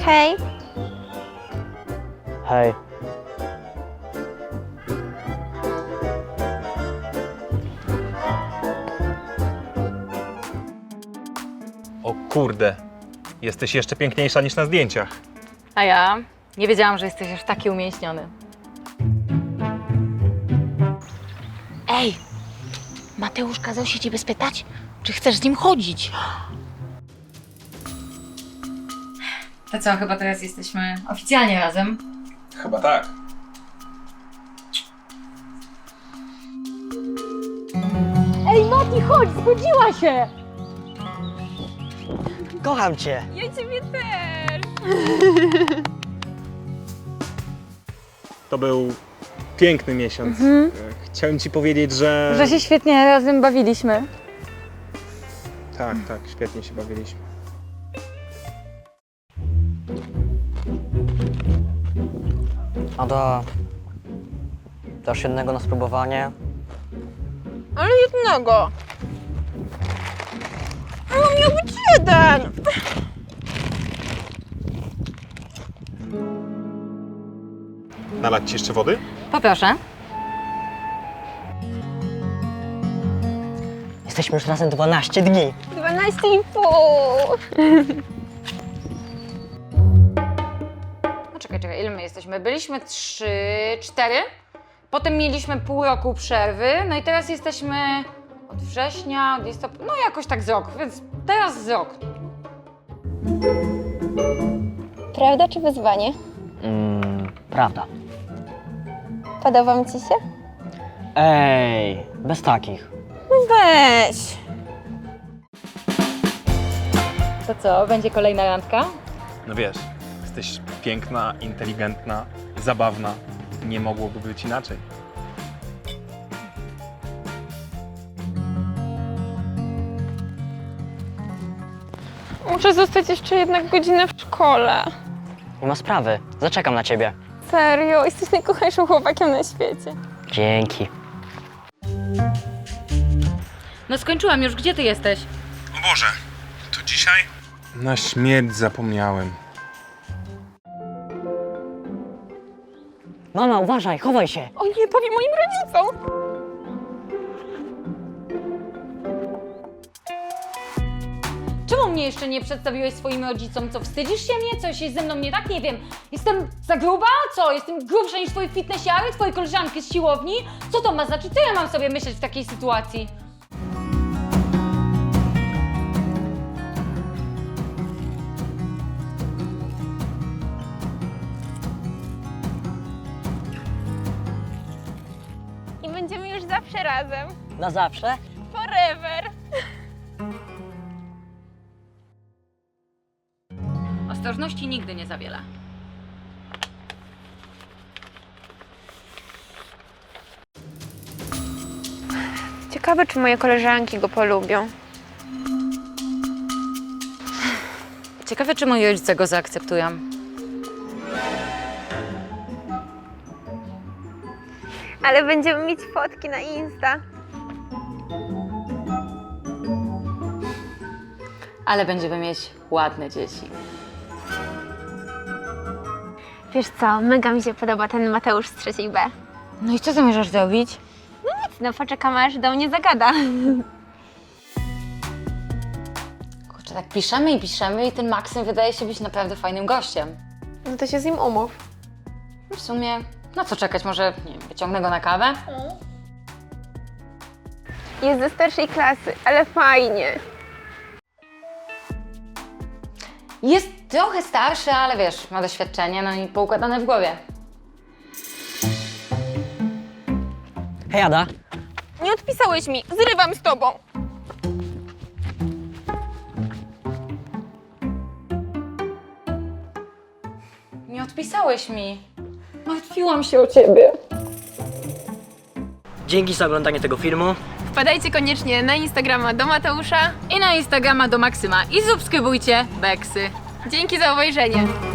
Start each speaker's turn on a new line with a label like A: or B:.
A: Hej.
B: Hej.
C: O kurde, jesteś jeszcze piękniejsza niż na zdjęciach.
D: A ja nie wiedziałam, że jesteś aż taki umięśniony. Ej, Mateusz kazał się ciebie spytać, czy chcesz z nim chodzić. To co, chyba teraz jesteśmy oficjalnie razem.
C: Chyba tak.
D: Ej, Mati, chodź, zgodziła się!
B: Kocham cię.
A: Ja ciebie też.
C: To był piękny miesiąc. Chciałem ci powiedzieć, że...
D: Że się świetnie razem bawiliśmy.
C: Tak, świetnie się bawiliśmy.
B: Ada, dasz jednego na spróbowanie?
A: Ale jednego. Ale miał być jeden.
C: Nalać ci jeszcze wody?
D: Poproszę.
B: Jesteśmy już razem 12 dni.
A: 12,5.
D: No czekaj, ile my jesteśmy? Byliśmy 3, 4, potem mieliśmy pół roku przerwy, no i teraz jesteśmy od września, od listopada, no jakoś tak z rok, więc teraz z rok.
A: Prawda czy wyzwanie?
B: Prawda.
A: Podoba mi ci się?
B: Ej, bez takich.
A: Weź.
D: To co, będzie kolejna randka?
C: No wiesz, jesteś piękna, inteligentna, zabawna. Nie mogłoby być inaczej.
A: Muszę zostać jeszcze jednak godzinę w szkole.
B: Nie ma sprawy. Zaczekam na ciebie.
A: Serio, jesteś najkochańszym chłopakiem na świecie.
B: Dzięki.
D: No skończyłam już, gdzie ty jesteś?
C: O Boże, to dzisiaj? Na śmierć zapomniałem.
B: Mama, uważaj, chowaj się.
A: O nie, powiem moim rodzicom.
D: Czemu mnie jeszcze nie przedstawiłeś swoim rodzicom? Co, wstydzisz się mnie? Coś jest ze mną nie tak? Nie wiem. Jestem za gruba? Co? Jestem grubsza niż twoje fitnessiary, twoje koleżanki z siłowni? Co to ma znaczyć? Co ja mam sobie myśleć w takiej sytuacji?
A: I będziemy już zawsze razem.
B: Na zawsze?
A: Forever.
D: Ostrożności nigdy nie za wiele.
A: Ciekawe, czy moje koleżanki go polubią.
D: Ciekawe, czy moi rodzice go zaakceptują.
A: Ale będziemy mieć fotki na Insta.
D: Ale będziemy mieć ładne dzieci.
A: Wiesz co, mega mi się podoba ten Mateusz z 3B.
D: No i co zamierzasz zrobić?
A: No poczekamy, aż do mnie zagada.
D: Kurczę, tak piszemy i ten Maksym wydaje się być naprawdę fajnym gościem.
A: No to się z nim umów.
D: W sumie, na co czekać? Może, nie wiem, wyciągnę go na kawę?
A: Jest ze starszej klasy, ale fajnie.
D: Jest trochę starszy, ale wiesz, ma doświadczenie, no i poukładane w głowie.
B: Hej, Ada.
A: Nie odpisałeś mi, zrywam z tobą.
D: Nie odpisałeś mi. Martwiłam się o ciebie.
B: Dzięki za oglądanie tego filmu.
A: Wpadajcie koniecznie na Instagrama do Mateusza.
D: I na Instagrama do Maksyma. I subskrybujcie Beksy.
A: Dzięki za obejrzenie.